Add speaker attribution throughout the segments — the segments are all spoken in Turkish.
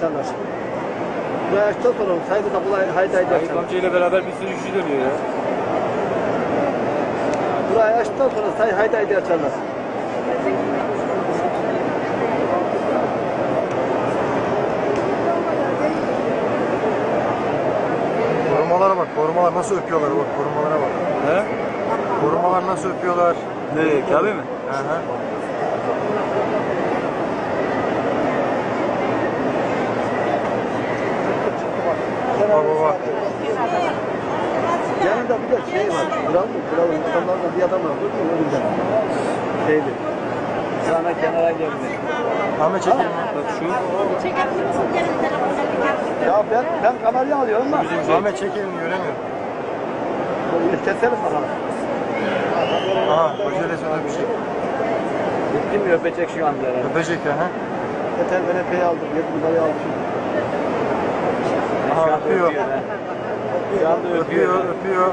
Speaker 1: açarlar. Buraya açtıktan sonra sayıda kapılar haydi haydi açarlar.
Speaker 2: Amcayla beraber bir sürü işi dönüyor ya.
Speaker 1: Burayı açtıktan sonra haydi haydi açarlar.
Speaker 3: Korumalara bak, korumalar nasıl öpüyorlar bak, korumalara bak.
Speaker 2: He?
Speaker 3: Korumalar nasıl öpüyorlar.
Speaker 2: Nereye? Kabe mi?
Speaker 3: Hı hı. Baba bak.
Speaker 1: Yanında bir de şey var. Kralın adamlardan bir adam var. Önünde. Şeydi. Sana kenara geldi.
Speaker 3: Ahmet çekeyim.
Speaker 2: Bak şu.
Speaker 4: Çekebilir misin? Gelin telefonla bir gel.
Speaker 1: Ya ben kamerayı alıyorum da.
Speaker 3: Ahmet çekeyim göremiyorum.
Speaker 1: Keselim bakalım.
Speaker 3: Aha, hocayla sana bir şey.
Speaker 2: Bitti mi? Öpecek şu anda herhalde.
Speaker 3: Öpecek ya ha.
Speaker 1: Yeter ben epey aldım. 7 numarayı aldım.
Speaker 3: Aha öpüyor.
Speaker 2: Şu anda öpüyor.
Speaker 3: Öpüyor.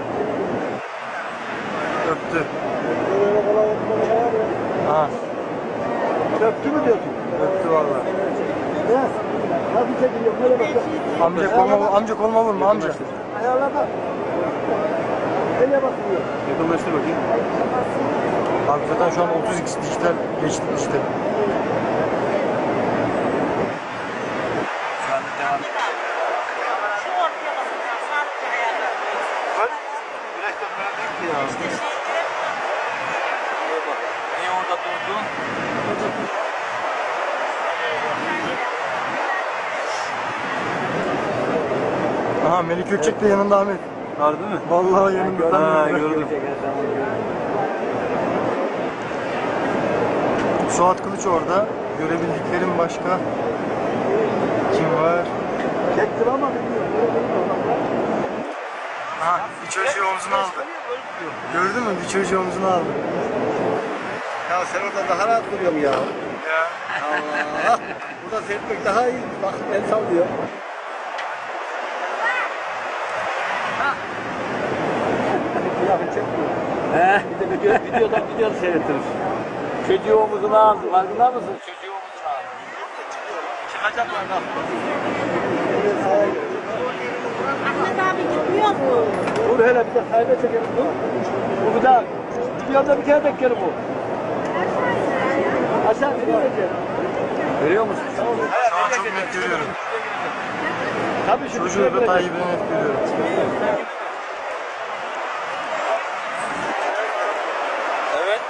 Speaker 3: Öptü. Aha,
Speaker 1: Öptü mü diyorsun?
Speaker 3: öptü valla.
Speaker 1: Ne? Nasıl çekiliyor? Böyle bak.
Speaker 3: Amca koluma vurma amca.
Speaker 1: Ayarlama. Nereye bakıyor?
Speaker 2: Yakınlaştır bakayım.
Speaker 3: Abi zaten şu an 30x dijital geçti işte.
Speaker 2: Şu anda devam.
Speaker 4: Şu ortaya basın. Sadece ayarlar.
Speaker 1: Güneş de böyle değil ki ya.
Speaker 4: İşte şey
Speaker 2: Niye orada durdun?
Speaker 3: Aha Melik Gökçek de yanında Ahmet.
Speaker 2: Harbi mi?
Speaker 3: Vallahi yanında tam
Speaker 2: Ha,
Speaker 3: yanında.
Speaker 2: gördüm.
Speaker 3: Suat Kılıç orada. Görebildiklerim başka. Kim var?
Speaker 1: Çektim ama bilmiyorum.
Speaker 3: Aha bir çocuğu omzuna aldı. Gördün mü? Bir çocuğu omzuna aldı.
Speaker 1: Ya sen orada daha rahat duruyorsun ya.
Speaker 3: Ya.
Speaker 1: Allah! Burada seyretmek daha iyi. Bak el sallıyor. Ya ben çekmiyorum.
Speaker 2: He? Bir de videodan seyretiriz. Çocuğu omuzuna aldı. Farkında mısın? Çocuğu omuzuna aldı. Çıkacaklar da.
Speaker 4: Ahmet abi gitmiyor mu?
Speaker 1: Dur hele bir de sayda çekelim. Dur. Bu bir daha. Videoda bir kere beklerim bu. Aşağı nereye gideceğim?
Speaker 2: Görüyor musun?
Speaker 3: Şu an çok net görüyorum.
Speaker 1: Tabii şu
Speaker 3: Çocuğu da Tayyip'i net görüyorum.
Speaker 2: Evet.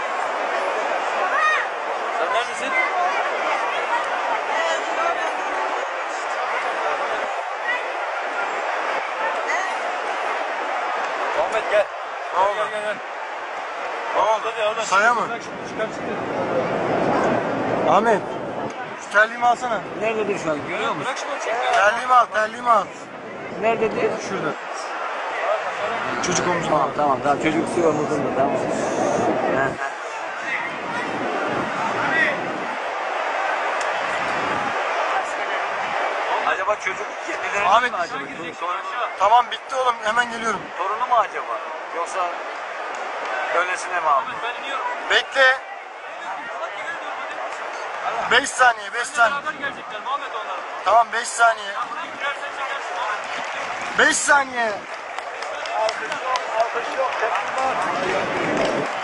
Speaker 2: Sen neredesin? Ahmet gel.
Speaker 3: Ne oldu?
Speaker 2: Gel.
Speaker 3: Ne oldu? Saya mı?
Speaker 2: Çıkar.
Speaker 3: Ahmet. Şu terliğimi alsana.
Speaker 2: Nerededir şu an? Görüyor musun?
Speaker 3: Terliğimi al.
Speaker 2: Nerededir?
Speaker 3: Şurada. Çocuk omzuna al.
Speaker 2: Tamam. Çocuk su omuzunda tamam. He. Acaba çocuk kendileri
Speaker 3: Ahmet.
Speaker 2: mi acaba?
Speaker 3: Tamam bitti oğlum hemen geliyorum.
Speaker 2: Torunu mu acaba? Yoksa öylesine mi aldı?
Speaker 3: Bekle. 5 saniye 5 saniye. Tamam 5 saniye. 5 saniye.
Speaker 1: Alkış yok. Tepki var.